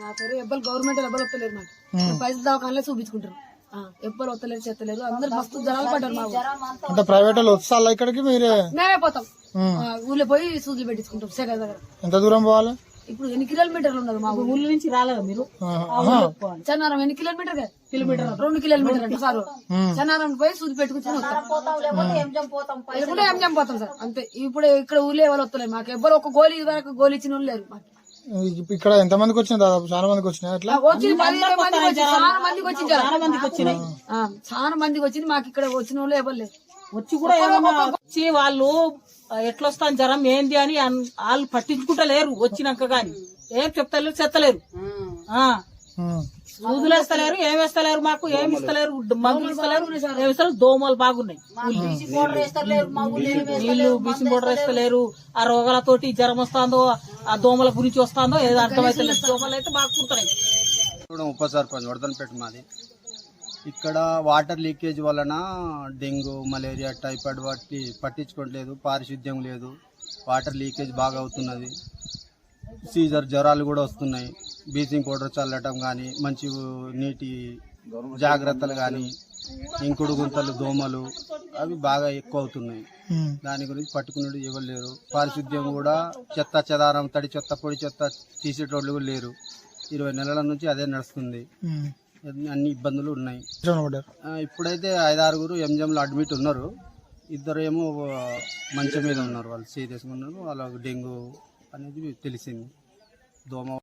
నా పేరు ఎవ్వరు గవర్నమెంట్ ఎవ్వరు వస్తలేరు నాకు పైసలు దవాఖానలే చూపించుకుంటారు ఎవ్వరు వస్తలేరు చేస్తలేరు అందరు మస్తు జనాలు పడ్డారు మా అంటే ప్రైవేట్ వాళ్ళు వస్తా ఇక్కడికి మీరే మేమే పోతాం ఊళ్ళో పోయి సూదులు పెట్టించుకుంటాం శేఖర్ దగ్గర. ఎంత దూరం పోవాలి? ఇప్పుడు ఎన్ని కిలోమీటర్లు ఉన్నది మా ఊళ్ళో నుంచి రాలేదు మీరు చన్నారం ఎన్ని కిలోమీటర్ 2 కిలోమీటర్ అంటే సార్ చన్నారం పోయి సూది పెట్టుకుని ఎంజం పోతాం సార్ అంతే. ఇప్పుడు ఇక్కడ ఊళ్ళో ఎవరు వస్తలేరు మాకు ఎవ్వరు ఒక గోళీ వరకు గోళీ ఇచ్చిన వాళ్ళు లేరు మాకు. ఇక్కడ ఎంత మందికి వచ్చినాయి? దాదాపు చాలా మందికి వచ్చినాయి. అట్లా చాలా మందికి వచ్చింది మాకు ఇక్కడ వచ్చిన వాళ్ళు ఎవరు లేరు. వచ్చి కూడా వచ్చి వాళ్ళు ఎట్లొస్తాను జ్వరం ఏంది అని వాళ్ళు పట్టించుకుంటలేరు. వచ్చినాక గాని ఏం చెప్తలేరు చెత్తలేరు సూదులు వేస్తలేరు ఏమేస్తలేరు మాకు ఏమి ఇస్తలేరు మందులు ఇస్తలేరు ఏమిస్తలేరు. దోమలు బాగున్నాయి నీళ్లు బీసింగ్ పౌడర్ వేస్తలేరు. ఆ రోగాలతోటి జ్వరం వస్తుందో ఆ దోమల గురించి వస్తుందో ఏదో అర్థమైతే లేదు. దోమలు అయితే బాగా కుడుతున్నాయి. ఉప సర్పంచ్ వరదనపేట మాది. ఇక్కడ వాటర్ లీకేజ్ వలన డెంగ్యూ మలేరియా టైఫాయిడ్ వాటి పట్టించుకోవట్లేదు. పారిశుద్ధ్యం లేదు. వాటర్ లీకేజ్ బాగా అవుతున్నది. సీజర్ జ్వరాలు కూడా వస్తున్నాయి. బ్లీచింగ్ పౌడర్ చల్లటం కానీ మంచి నీటి జాగ్రత్తలు కానీ ఇంకుడు గుంతలు దోమలు అవి బాగా ఎక్కువ అవుతున్నాయి. దాని గురించి పట్టుకునేది ఎవరు లేరు. పారిశుద్ధ్యం కూడా చెత్త చెదారం తడి చెత్త పొడి చెత్త తీసేటోళ్ళు కూడా లేరు. 20 నెలల నుంచి అదే నడుస్తుంది. అన్ని ఇబ్బందులు ఉన్నాయి. ఇప్పుడైతే 5-6 ఎంజంలో అడ్మిట్ ఉన్నారు. 2 ఏమో మంచం మీద ఉన్నారు. వాళ్ళు సీరియస్గా ఉన్నారు. వాళ్ళకి డెంగ్యూ అనేది తెలిసింది. దోమ